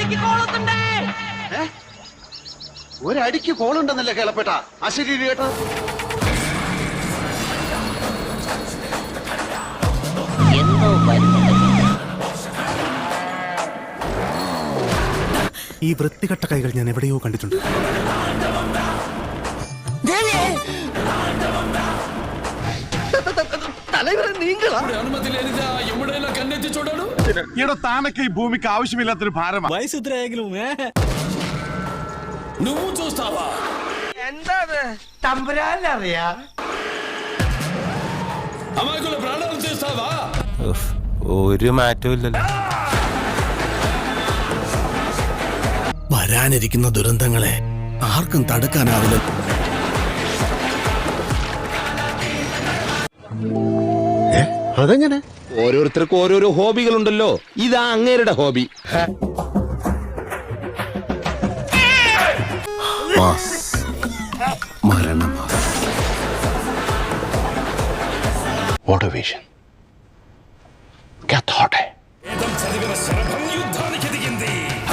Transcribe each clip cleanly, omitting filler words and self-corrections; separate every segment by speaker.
Speaker 1: ഒരടിക്ക് കോളുണ്ടെന്നല്ലേ കേളപ്പെട്ട അശരീരി കേട്ടോ.
Speaker 2: ഈ വൃത്തികെട്ട കൈകൾ ഞാൻ എവിടെയോ കണ്ടിട്ടുണ്ട്.
Speaker 3: తానకి ఈ భూమికి ఆവശ്యమిല്ലാത്തൊരു భారమా.
Speaker 4: వయసు ఎదురాగిലും
Speaker 5: నువ్వు చూస్తావా?
Speaker 6: എന്താ തമ്പുരാനറിയാ
Speaker 5: అమాయకుల ప్రాణాలు తీస్తావా?
Speaker 4: ഒരു മാറ്റവും ഇല്ലല്ലോ.
Speaker 2: വരാനിരിക്കുന്ന ദുരന്തങ്ങളെ ആർക്കും തടുക്കാനാവില്ല.
Speaker 1: അതെങ്ങനെ?
Speaker 7: ഓരോരുത്തർക്കും ഓരോരോ ഹോബികളുണ്ടല്ലോ. ഇതാ അങ്ങേരുടെ ഹോബി.
Speaker 1: What a vision. क्या thought है?
Speaker 5: చదివిన శరభం యుద్ధానికి దిగింది.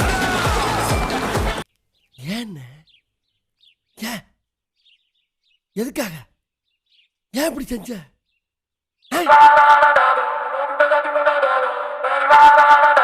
Speaker 6: எதுக்காக ஏன் இப்படி செஞ்ச